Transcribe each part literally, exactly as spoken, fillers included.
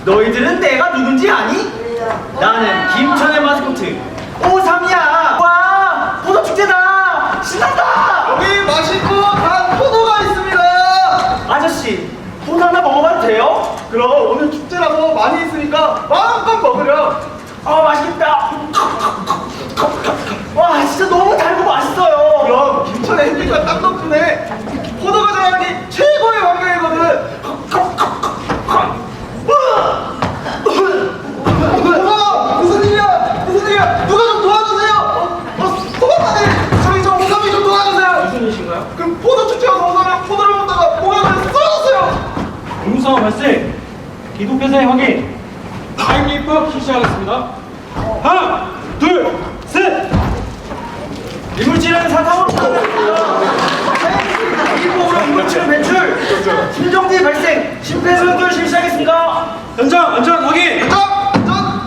너희들은 내가 누군지 아니? 나는 김천의 마스코트 오삼이야. 와, 포도 축제다. 신난다. 여기 맛있고 단 포도가 있습니다. 아저씨, 포도 하나 먹어봐도 돼요? 그럼 오늘 축제라서 많이 있으니까 마음껏 먹으렴. 아, 맛있겠다. 와, 진짜 너무 달고 맛있어요. 그럼 김천의 햇빛과 땀 덕분에 포도가 자라기 최고의 환경이거든. 어머! 무슨 일이야? 무슨 일이야? 누가 좀 도와주세요! 어? 어? 소방관님! 저희 저 오삼이 좀 도와주세요! 무슨 일이신가요? 그 포도 축제가 오삼이 포도를 먹다가 목에 걸려 쓰러졌어요! 공무상황 발생! 기독교사의 확인! 타임 입법 실시하겠습니다. 하나, 둘, 셋! 이물질은 사상으로 일부러 이물질 배출, 심정지 발생, 심폐소생술 실시하겠습니다. 현장 안전 확인! 전! 전!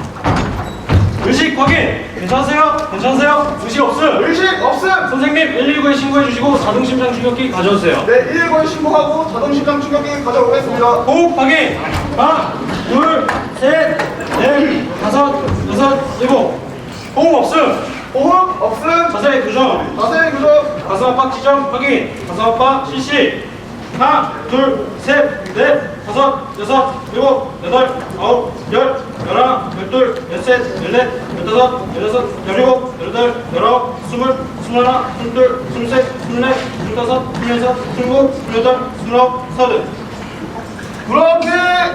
의식 확인! 괜찮으세요? 괜찮으세요? 의식 없음! 의식 없음! 선생님 일일구에 신고해 주시고 자동심장 충격기 가져오세요. 네, 일일구에 신고하고 자동심장 충격기 가져오겠습니다. 호흡 확인! 하나, 둘, 셋, 넷, 다섯, 여섯, 일곱. 호흡 없음! 호흡 없음! 자세 교정! 자세히 교정! 가슴 압박 지점 확인! 가슴 압박 실시! 하나, 둘, 셋, 넷, 다섯, 여섯, 일곱, 여덟, 아홉, 열, 열하나, 열둘, 열셋, 열넷, 열다섯, 열여섯, 열일곱, 열여덟, 열아홉, 스물, 스물하나, 스물둘, 스물셋, 스물넷, 스물다섯, 스물여섯, 스물일곱, 스물여덟, 스물아홉, 서른. 불어넣기!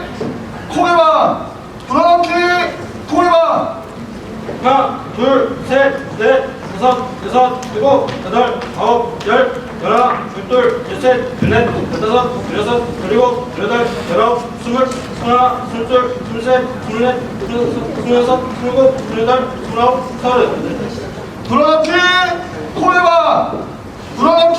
코에만! 불어넣기! 코에만! 하나, 둘, 셋, 넷, 다섯, 여섯, 일곱, 여덟, 아홉, 열, 열하나, 열둘, 열셋, 열넷, 열다섯, 열여섯, 열일곱, 열여덟, 열아홉, 스물, 스물하나, 스물둘, 스물셋, 스물넷, 스물여섯, 스물일곱, 스물여덟, 스물아홉, 서른. 불어넣기! 코에만! 불어넣기!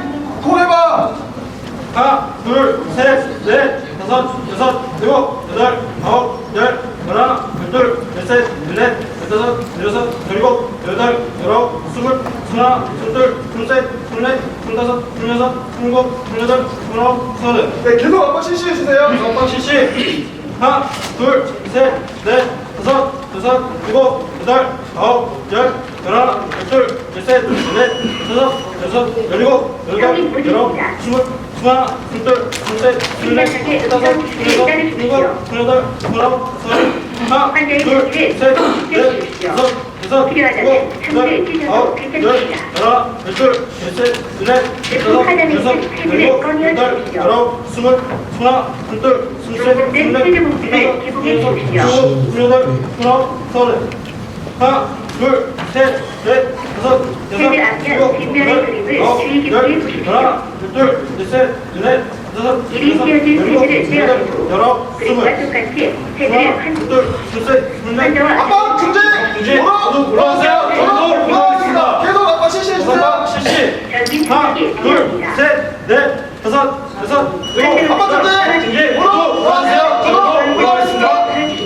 코에만! 하나, 둘, 셋, 넷, 다섯, 여섯, 일곱, 여덟, 아홉, 열, 열하나, 열둘, 열셋, 열넷, 열다섯, 열여섯, 열일곱, 열여덟, 열아홉, 스물, 스물하나, 스물둘, 스물셋, 스물넷, 스물다섯, 스물여섯, 스물일곱, 스물여덟, 스물아홉, 서른. 네, 계속 한번 실시해주세요. 한번 실시. 하나, 둘, 셋, 넷, 다섯, 여섯, 일곱, 여덟, 아홉, 열, 열하나, 열둘, 열셋, 열넷, 다섯, 여섯, 열일곱, 열여덟, 열아홉, 스물, 스물하나, 스물둘, 스물셋, 스물넷, 스물다섯, 스물여섯, 스물일곱, 스물여덟, 스물아홉, 서른. 하나, 둘, 셋, 넷, 다섯, 여섯, 일곱, 여덟, 아홉, 열, 열하나, 열둘, 열셋, 열넷, 열다섯, 여섯, 일곱, 여덟, 열아홉, 스물, 스물하나, 스물둘, 스물셋, 스물넷, 스물다섯, 스물여섯, 스물일곱, 스물여덟, 스물아홉, 서른. 하나, 둘, 셋, 넷, 다섯, 여섯, 일곱, 여덟, 아홉, 열, 열하나, 열둘, 열셋, 열넷, 다섯, 여섯, 일곱, 여덟, 열아홉, 스물, 하나, 둘, 셋, 넷, 아빠 중재! 중재! 모두 올라가세요. 저도 올라가겠습니다. 계속 아빠 실시해주세요. 실시! 하나, 둘, 셋, 넷, 다섯, 여섯, 일곱, 아빠 중재! 중재! 모두 모두 올라가세요. 저도 올라가겠습니다.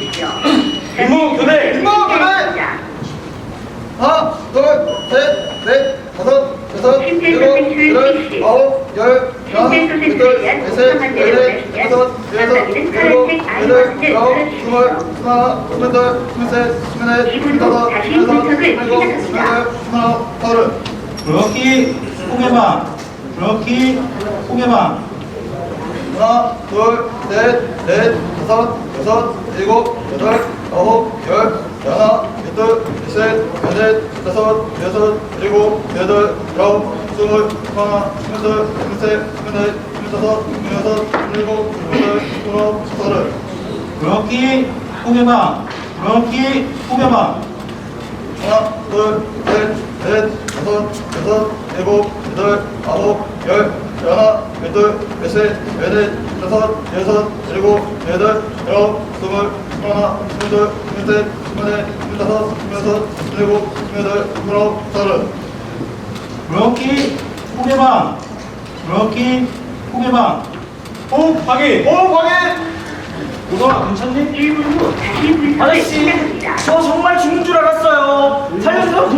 임무 교대! 임무 교대! 하나, 둘, 셋, 넷, 다섯, 여섯, 일곱, 여덟, 아홉, 열, 열하나, 열둘, 열셋, 열넷, 다섯, 여섯, 일곱, 여덟, 아홉, 스물, 스물하나, 스물둘, 스물셋, 스물넷, 스물다섯, 스물여섯, 스물일곱, 스물여덟, 스물아홉, 서른. 브로키 포개방! 브로키 포개방! 하나, 둘, 셋, 넷, 다섯, 여섯, 일곱, 여덟, 아홉, 열, 열하나, 열둘, 열셋, 열넷, 다섯, 여섯, 일곱, 여덟, 아홉, 스물, 스물하나, 스물둘, 스물셋, 스물넷, 스물다섯, 스물여섯, 스물일곱, 스물여덟, 스물아홉, 서른. 브로키 포개방! 브로키 포개방! 하나, 둘, 셋, 넷, 다섯, 여섯, 일곱, 여덟, 아홉, 열, 열하나, 열둘, 열셋, 열넷, 다섯, 여섯, 일곱, 여덟, 열아홉, 스물, 스물하나, 스물둘, 스물셋, 스물넷, 스물다섯, 스물여섯, 스물일곱, 스물여덟, 스물아홉, 서른. 브로키 포개방! 브로키 포개방! 호흡 확인! 호흡 확인! 우선아 괜찮니? 아저씨, 저 정말 죽는 줄 알았어요. 살려주세요.